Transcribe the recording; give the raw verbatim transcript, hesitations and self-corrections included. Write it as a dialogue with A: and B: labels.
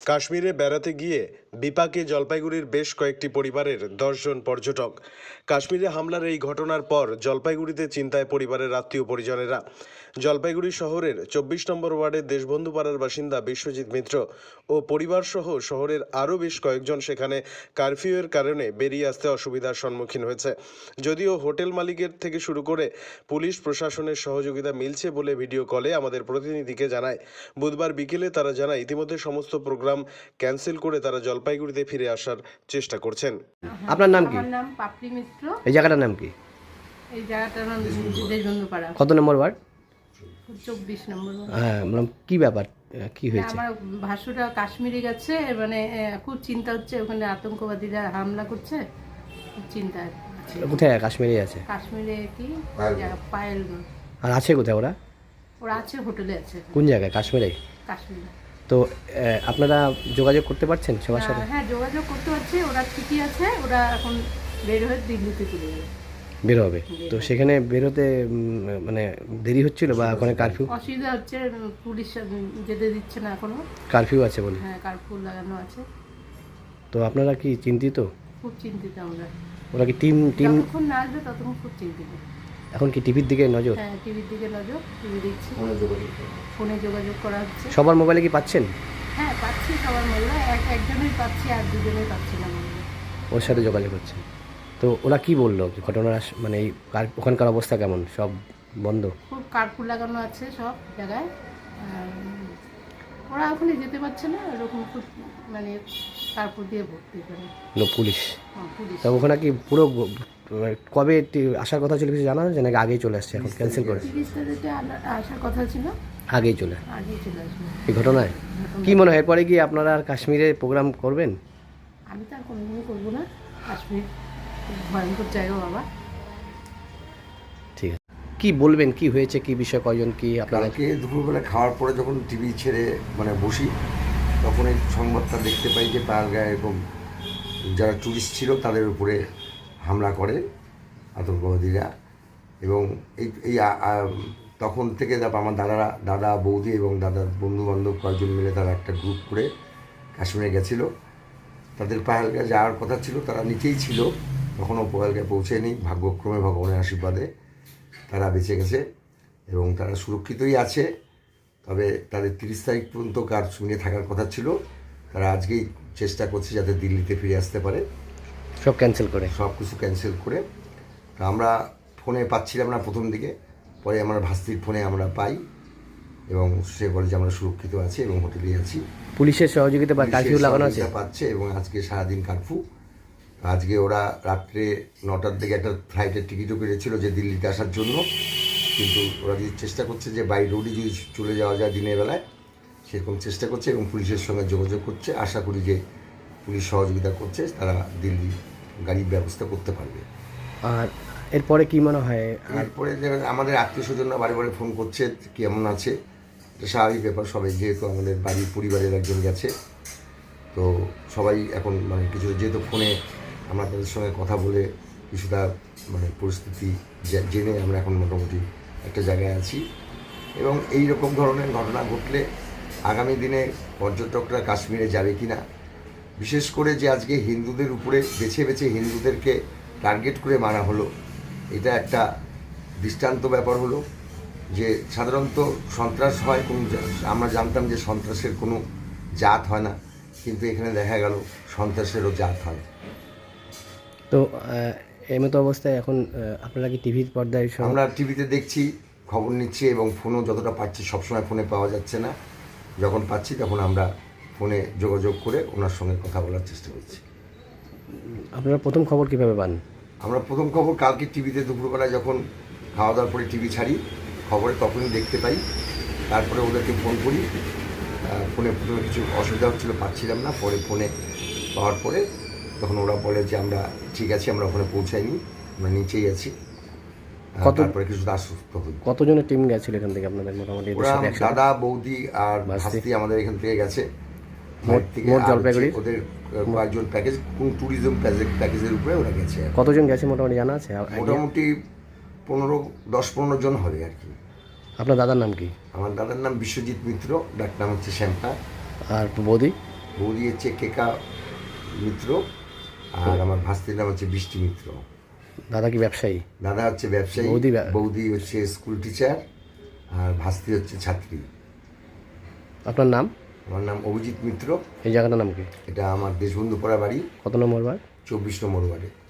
A: কাশ্মীরে বেড়াতে গিয়ে বিপাকে জলপাইগুড়ির বেশ কয়েকটি পরিবারের দশ জন পর্যটক। কাশ্মীরে হামলার এই ঘটনার পর জলপাইগুড়িতে চিন্তায় পরিবারের আত্মীয় পরিজনেরা। জলপাইগুড়ি শহরের চব্বিশ নম্বর ওয়ার্ডের দেশবন্ধু পাড়ার বাসিন্দা বিশ্বজিৎ মিত্র ও পরিবারসহ শহরের আরও বেশ কয়েকজন সেখানে কারফিউয়ের কারণে বেরিয়ে আসতে অসুবিধার সম্মুখীন হয়েছে। যদিও হোটেল মালিকের থেকে শুরু করে পুলিশ প্রশাসনের সহযোগিতা মিলছে বলে ভিডিও কলে আমাদের প্রতিনিধিকে জানায়। বুধবার বিকেলে তারা জানায় ইতিমধ্যে সমস্ত প্রোগ্রাম ক্যান্সেল করে তারা জলপাইগুড়িতে ফিরে আসার চেষ্টা করছেন।
B: আপনার নাম কি?
C: আমার নাম পাপড়ি মিত্র।
B: এই জায়গাটার নাম কি?
C: এই জায়গাটার নাম দেশবন্ধু পাড়া।
B: কত নম্বর ওয়ার্ড?
C: চব্বিশ নম্বর।
B: হ্যাঁ, বললাম কি ব্যাপার, কি হয়েছে?
C: আমার ভাসুরা কাশ্মীরে গেছে, মানে খুব চিন্তা হচ্ছে, ওখানে আতঙ্কবাদীরা হামলা করছে, খুব চিন্তা।
B: কোথায় কাশ্মীরে আছে?
C: কাশ্মীরে কি পায়েল।
B: আর আছে কোথায় ওরা?
C: ওরা আছে হোটেলে আছে।
B: কোন জায়গায়? কাশ্মীরে।
C: কাশ্মীরে।
B: তো আপনারা যোগাযোগ করতে পারছেন সবার সাথে?
C: হ্যাঁ, যোগাযোগ করতে পারছি। ওরা ঠিকই আছে, ওরা এখন বের হয়ে দিল্লিতে চলে যাবে।
B: বের হবে? তো সেখানে বেরোতে মানে দেরি হচ্ছিল বা ওখানে কারফিউ?
C: অসুবিধা হচ্ছে, পুলিশ যেতে দিচ্ছে না এখনো।
B: কারফিউ আছে বলে?
C: হ্যাঁ, কারফিউ লাগানো আছে।
B: তো আপনারা কি চিন্তিত?
C: খুব চিন্তিত আমরা।
B: ওরা কি টিম টিম
C: যতক্ষণ না আসবে ততক্ষণ খুব চিন্তিত।
B: এখন কি টিভির দিকে নজর?
C: হ্যাঁ, টিভির দিকে নজর, টিভি দেখছি, ফোনে যোগাযোগ করা হচ্ছে।
B: সবার মোবাইলে কি পাচ্ছেন?
C: হ্যাঁ, পাচ্ছি সবার মোবাইলে, এক একজনের পাচ্ছি আর দুজনের পাচ্ছি না মোবাইলে।
B: ওর সাথে যোগাযোগ হচ্ছে। তো ওরা কি বললো ঘটনার মানে এই ওখানকার অবস্থা কেমন? সব বন্ধ?
C: খুব কার্ফু লাগানো আছে সব জায়গায়। ওরা ওখানে যেতে পারছে না, এরকম খুব মানে কার্ফু দিয়ে ভর্তি করে
B: পুলিশ।
C: পুলিশ।
B: তা ওখানে কি পুরো কবে আসার কথা ছিল কিছু জানা আছে নাকি আগেই চলে আসছে? এখন ক্যান্সেল করে
C: তিরিশ তারিখে আসার কথা ছিল,
B: আগেই চলে
C: আগেই চলে আসবে।
B: এই ঘটনায় কি মনে হয় এরপরে কি আপনারা আর কাশ্মীরে প্রোগ্রাম করবেন?
C: আমি তো আর কোনোদিনই করবো না। কাশ্মীর ভয়ঙ্কর জায়গা বাবা।
B: ঠিক আছে, কি বলবেন, কি হয়েছে, কি বিষয়, কয়জন কি
D: আপনাকে? দুপুরবেলা খাওয়ার পরে যখন টিভি ছেড়ে মানে বসি, তখন এই সংবাদটা দেখতে পাই যে পাহাড়গাঁয়ে এরকম যারা টুরিস্ট ছিল তাদের উপরে হামলা করে আতঙ্কবাদীরা। এবং এই এই তখন থেকে আমার দাদারা দাদা বৌদি এবং দাদার বন্ধুবান্ধব কয়েকজন মিলে তারা একটা গ্রুপ করে কাশ্মীরে গেছিলো। তাদের পাহাড়গাঁয়ে যাওয়ার কথা ছিল, তারা নিচেই ছিল, তখনও পাহাড়গাঁয়ে পৌঁছেনি। ভাগ্যক্রমে ভগবানের আশীর্বাদে তারা বেঁচে গেছে এবং তারা সুরক্ষিতই আছে। তবে তাদের তিরিশ তারিখ পর্যন্ত কাশ্মীরে থাকার কথা ছিল। তারা আজকেই চেষ্টা করছে যাতে দিল্লিতে ফিরে আসতে পারে।
B: সব ক্যান্সেল করে
D: সব কিছু ক্যান্সেল করে। তো আমরা ফোনে পাচ্ছিলাম না প্রথম দিকে, পরে আমার ভাস্তির ফোনে আমরা পাই এবং সে বলে যে আমরা সুরক্ষিত আছি এবং হোটেলেই আছি।
B: পুলিশের সহযোগিতা বা কারফিউ লাগানো আছে
D: পাচ্ছে এবং আজকে সারাদিন কারফিউ। আজকে ওরা রাত্রে নটার দিকে একটা ফ্লাইটের টিকিটও কেটেছিল যে দিল্লিতে আসার জন্য, কিন্তু ওরা যদি চেষ্টা করছে যে বাই রোডই যদি চলে যাওয়া যায় দিনের বেলায়, সেরকম চেষ্টা করছে এবং পুলিশের সঙ্গে যোগাযোগ করছে। আশা করি যে পুলিশ সহযোগিতা করছে, তারা দিল্লি গাড়ির ব্যবস্থা করতে পারবে।
B: আর এরপরে কি মনে হয়?
D: এরপরে আমাদের আত্মীয় স্বজনরা বারে বারে ফোন করছে কেমন আছে, এটা স্বাভাবিক ব্যাপার। সবাই যেহেতু আমাদের বাড়ির পরিবারের একজন গেছে, তো সবাই এখন মানে কিছু যেহেতু ফোনে আমরা তাদের সঙ্গে কথা বলে কিছুটা মানে পরিস্থিতি জেনে আমরা এখন মোটামুটি একটা জায়গায় আছি। এবং এই রকম ধরনের ঘটনা ঘটলে আগামী দিনে পর্যটকরা কাশ্মীরে যাবে কি না, বিশেষ করে যে আজকে হিন্দুদের উপরে বেছে বেছে হিন্দুদেরকে টার্গেট করে মারা হলো, এটা একটা দৃষ্টান্ত ব্যাপার হলো যে সাধারণত সন্ত্রাস হয় কোনো, আমরা জানতাম যে সন্ত্রাসের কোনো জাত হয় না, কিন্তু এখানে দেখা গেল সন্ত্রাসেরও জাত হয়।
B: তো এই মতো অবস্থায় এখন আপনারা কি টিভির পর্দায়?
D: আমরা টিভিতে দেখছি, খবর নিচ্ছি এবং ফোনও যতটা পাচ্ছি, সবসময় ফোনে পাওয়া যাচ্ছে না। যখন পাচ্ছি তখন আমরা ফোনে যোগাযোগ করে ওনার সঙ্গে কথা বলার চেষ্টা করছি।
B: আপনারা প্রথম খবর কীভাবে পান?
D: আমরা প্রথম খবর কালকে টিভিতে দুপুরবেলায় যখন খাওয়া দাওয়ার পরে টিভি ছাড়ি, খবরে তখনই দেখতে পাই। তারপরে ওদেরকে ফোন করি। ফোনে প্রথমে কিছু অসুবিধা হচ্ছিলো, পাচ্ছিলাম না। পরে ফোনে পাওয়ার পরে তখন ওরা বলে যে আমরা ঠিক আছি, আমরা ওখানে পৌঁছাইনি, আমরা নিচেই আছি। তারপরে কিছু আশ্বস্ত হই।
B: কতজনের টিম গেছিল এখান থেকে আপনাদের? মোটামুটি
D: দাদা বৌদি আর ভাস্তি আমাদের এখান থেকে গেছে।
B: জলপাইগুড়ি
D: ওদের কয়েকজন প্যাকেজ, কোন ট্যুরিজম প্যাকেজের উপরে ওরা গেছে।
B: কতজন গেছে মোটামুটি জানা আছে?
D: মোটামুটি পনেরো দশ পনেরো জন হবে আর কি।
B: আপনার দাদার নাম কি?
D: আমার দাদার নাম বিশ্বজিৎ মিত্র, ডাক নাম হচ্ছে শ্যাম্পা।
B: আর বৌদি?
D: বৌদি হচ্ছে কেকা মিত্র, আর আমার ভাস্তির নাম হচ্ছে বৃষ্টি মিত্র।
B: দাদা কি ব্যবসায়ী?
D: দাদা হচ্ছে ব্যবসায়ী,
B: বৌদি ব্যা-
D: বৌদি হচ্ছে স্কুল টিচার, আর ভাস্তি হচ্ছে ছাত্রী।
B: আপনার নাম?
D: আমার নাম অভিজিৎ মিত্র।
B: এই জায়গাটার নাম কি?
D: এটা আমার দেশবন্ধু পড়া বাড়ি,
B: কত নম্বর বার?
D: চব্বিশ নম্বর ওয়ার্ডে।